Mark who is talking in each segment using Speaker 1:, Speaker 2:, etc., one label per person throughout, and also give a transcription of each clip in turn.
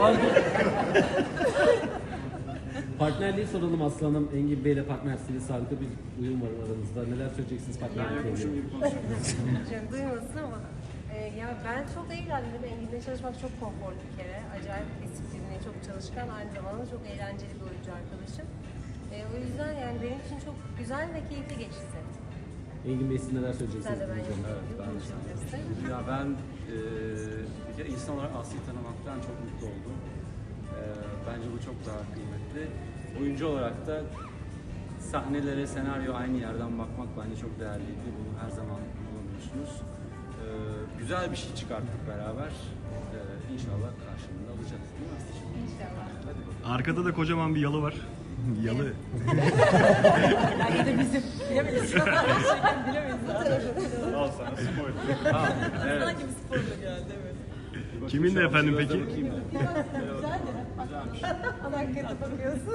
Speaker 1: Partnerliği soralım Aslı Hanım. Engin Bey'le partnersiniz. Harika bir uyum var aranızda. Neler söyleyeceksiniz partnerlikle ilgili?
Speaker 2: Canım duymasın ama ya ben çok eğlendim. Engin'le çalışmak çok konforlu bir kere. Acayip disiplinli, çok çalışkan, aynı zamanda çok eğlenceli bir oyuncu arkadaşım. O yüzden yani benim için çok güzel ve keyifli geçti.
Speaker 1: Engin Bey siz neler söyleyeceksiniz?
Speaker 2: Sen de ben
Speaker 1: Evet,
Speaker 2: konuşabilirsin.
Speaker 3: Ya ben bir kere insan olarak Aslı'yı tanımaktan çok mutlu oldum. Bence bu çok daha kıymetli. Oyuncu olarak da sahnelere, senaryo aynı yerden bakmak bence çok değerliydi. Bunu her zaman bulamıyorsunuz. Güzel bir şey çıkarttık beraber. İnşallah karşılığında alacağız değil mi Aslı'cığım?
Speaker 2: İnşallah.
Speaker 3: Hadi bakalım.
Speaker 4: Arkada da kocaman bir yalı var. Yalı.
Speaker 2: Belki de bizim. Bilemeyiz. Bilemeyiz zaten.
Speaker 5: Al sana spoiler.
Speaker 3: Evet.
Speaker 2: Sanki bir sporla geldi evet.
Speaker 4: Kimin de efendim peki?
Speaker 3: Bakayım da.
Speaker 2: Güzelmiş. Hakikaten bakıyorsun.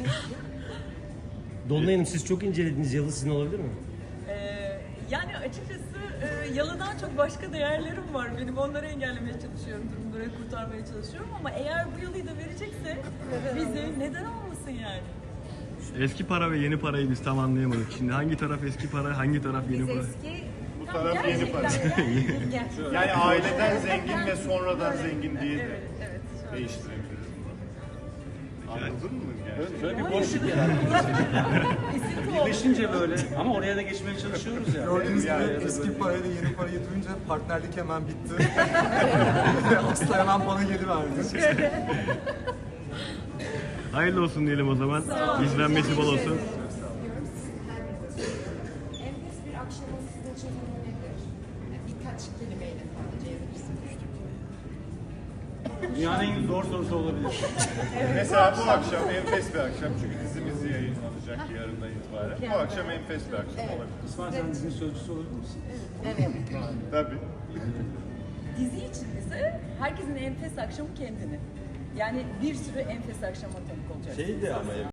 Speaker 6: Dolunay Hanım siz çok incelediğiniz yalı sizin olabilir mi?
Speaker 7: Yani açıkçası yalıdan çok başka değerlerim var. Benim onları engellemeye çalışıyorum, durumları kurtarmaya çalışıyorum ama eğer bu yalıyı da verecekse bize neden olmasın yani?
Speaker 4: Eski para ve yeni parayı biz tam anlayamadık. Şimdi hangi taraf eski para, hangi taraf yeni
Speaker 2: Biz
Speaker 4: para?
Speaker 2: eski...
Speaker 5: Bu taraf yeni para.
Speaker 2: Gel.
Speaker 5: Yani aileden zengin ve sonradan zengin diye de
Speaker 7: Evet, evet. Şu an.
Speaker 5: değiştirebiliriz bunu. Anladın mı gerçekten?
Speaker 3: Şöyle bir boşluk yarattık. Birleşince böyle ama oraya da geçmeye çalışıyoruz ya.
Speaker 8: Gördüğünüz
Speaker 5: Yani
Speaker 8: gibi eski parayla yeni parayı duyunca partnerlik hemen bitti. Aslı hemen bana geri verdi.
Speaker 4: Hayırlı olsun diyelim o zaman. İzlenmesi bol olsun.
Speaker 9: Enfes bir akşamın sizin için tanımı nedir? Birkaç kelimeyle tanımlayabilirsiniz.
Speaker 3: Dünyanın en zor sorusu olabilir.
Speaker 5: Mesela bu akşam enfes bir akşam çünkü dizimiz yayınlanacak yarından itibaren. Bu akşam enfes bir akşam olabilir.
Speaker 3: İsmail sen dizinin sözcüsü olabilir misin?
Speaker 5: Tabii.
Speaker 7: Dizi için ise herkesin enfes akşamı kendini. Yani bir sürü enfes akşama tanık olacak.